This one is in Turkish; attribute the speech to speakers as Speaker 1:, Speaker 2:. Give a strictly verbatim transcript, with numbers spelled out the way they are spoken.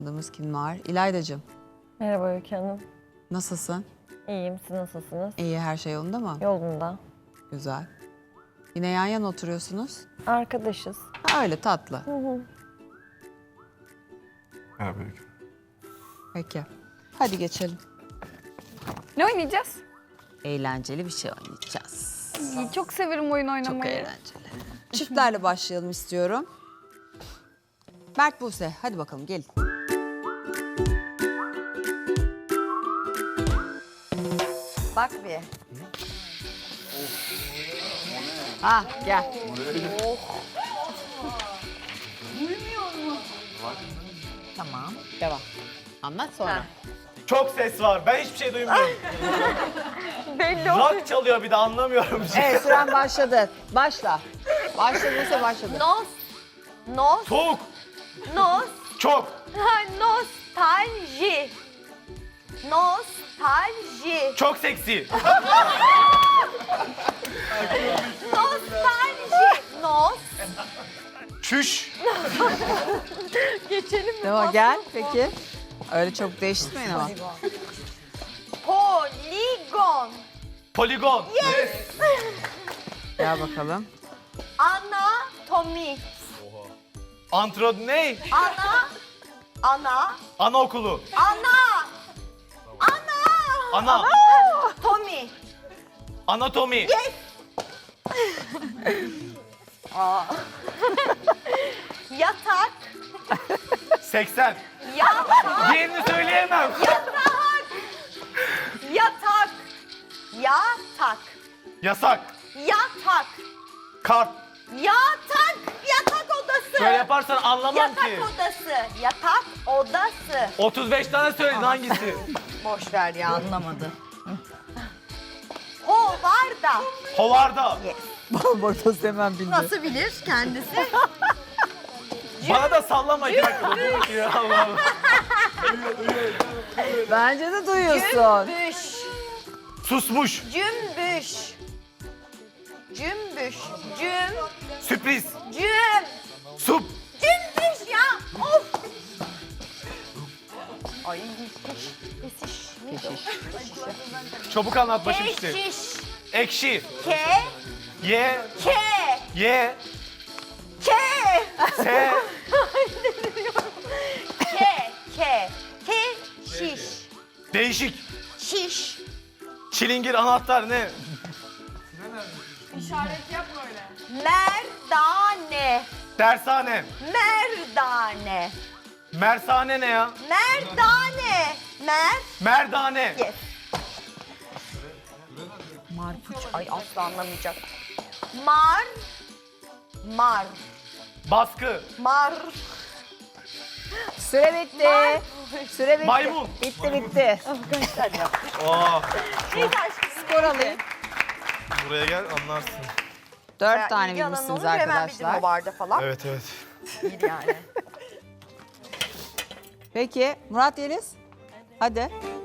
Speaker 1: Adımız kim var? İlaydacığım,
Speaker 2: Merhaba Öykü Hanım.
Speaker 1: nasılsın?
Speaker 2: İyiyim, siz nasılsınız?
Speaker 1: İyi, her şey yolunda mı?
Speaker 2: Yolunda.
Speaker 1: Güzel. Yine yan yana oturuyorsunuz.
Speaker 2: Arkadaşız.
Speaker 1: Ha, öyle tatlı.
Speaker 2: Hı hı.
Speaker 3: Merhaba Öykü.
Speaker 1: Peki. Hadi geçelim.
Speaker 4: Ne oynayacağız?
Speaker 1: Eğlenceli bir şey oynayacağız.
Speaker 4: İyi, çok severim oyun
Speaker 1: Çok
Speaker 4: oynamayı.
Speaker 1: eğlenceli. Çiftlerle başlayalım istiyorum. Mert, Buse, hadi bakalım gelin. Bak bir. Ha, gel. Tamam, devam. Anlat sonra.
Speaker 5: Çok ses var. Ben hiçbir şey duymuyorum.
Speaker 2: Belli oldu.
Speaker 5: Rock çalıyor bir de anlamıyorum.
Speaker 1: Evet, süren başladı. Başla. Başla Buse, başladı.
Speaker 2: Nos. Nos.
Speaker 5: Soğuk.
Speaker 2: Nos.
Speaker 5: Çok.
Speaker 2: Ha, nostalji. Nostalji.
Speaker 5: Çok seksi.
Speaker 2: Nostalji. Nos.
Speaker 5: Çüş.
Speaker 2: Geçelim mi?
Speaker 1: Devam, gel peki. Öyle çok değiştirmeyin ama.
Speaker 2: Poligon.
Speaker 5: Poligon.
Speaker 1: Gel bakalım.
Speaker 2: Anatomi.
Speaker 5: Antro ne?
Speaker 2: Ana. Ana.
Speaker 5: Anaokulu.
Speaker 2: Ana. Ana.
Speaker 5: Ana.
Speaker 2: Tommy.
Speaker 5: Anatomi.
Speaker 2: Yatak.
Speaker 5: seksen.
Speaker 2: Yatak.
Speaker 5: Diğerini söyleyemem.
Speaker 2: Yatak. Yatak. Yatak.
Speaker 5: Yasak.
Speaker 2: Yatak.
Speaker 5: Kart.
Speaker 2: Yatak. Yatak odası.
Speaker 5: Böyle yaparsan anlamam
Speaker 2: Yatak
Speaker 5: ki.
Speaker 2: odası. Yatak odası.
Speaker 5: otuz beş tane söyledin hangisi?
Speaker 2: Boş ver ya anlamadı. Hovarda.
Speaker 5: Hovarda.
Speaker 1: Bartos hemen bildi.
Speaker 2: Nasıl bilir kendisi?
Speaker 5: Bana da sallama iki dakika. Dur ya Allah Allah.
Speaker 1: Bence de duyuyorsun.
Speaker 2: Cümbüş.
Speaker 5: Susmuş.
Speaker 2: Cümbüş. Cümbüş. Cüm.
Speaker 5: Sürpriz.
Speaker 2: Cüm.
Speaker 5: Sup.
Speaker 2: Cümbüş ya. Of. Ay keş. Keşiş.
Speaker 5: Çabuk anlat başım işte.
Speaker 2: Keşiş.
Speaker 5: Ekşi.
Speaker 2: Ke.
Speaker 5: Ye.
Speaker 2: Ke.
Speaker 5: Ye.
Speaker 2: Ke.
Speaker 5: Se.
Speaker 2: Ke. Ke. Ke. Şiş.
Speaker 5: Değişik.
Speaker 2: Şiş.
Speaker 5: Çilingir anahtar ne?
Speaker 2: Merdane.
Speaker 5: Dershane.
Speaker 2: Merdane.
Speaker 5: Mersane ne ya?
Speaker 2: Merdane. Mer.
Speaker 5: Merdane.
Speaker 2: Yes. Marpuç. Ay asla anlamayacak. Mar. Mar.
Speaker 5: Baskı.
Speaker 2: Mar.
Speaker 1: Süre bitti. Süre bitti.
Speaker 5: Maymun.
Speaker 1: Bitti bitti.
Speaker 5: Aa,
Speaker 1: Skor alayım.
Speaker 5: buraya gel anlarsın.
Speaker 1: Dört tane bilmişsiniz arkadaşlar.
Speaker 2: Barda falan.
Speaker 5: Evet evet.
Speaker 2: İyi yani.
Speaker 1: Peki Murat Yeliz. Hadi.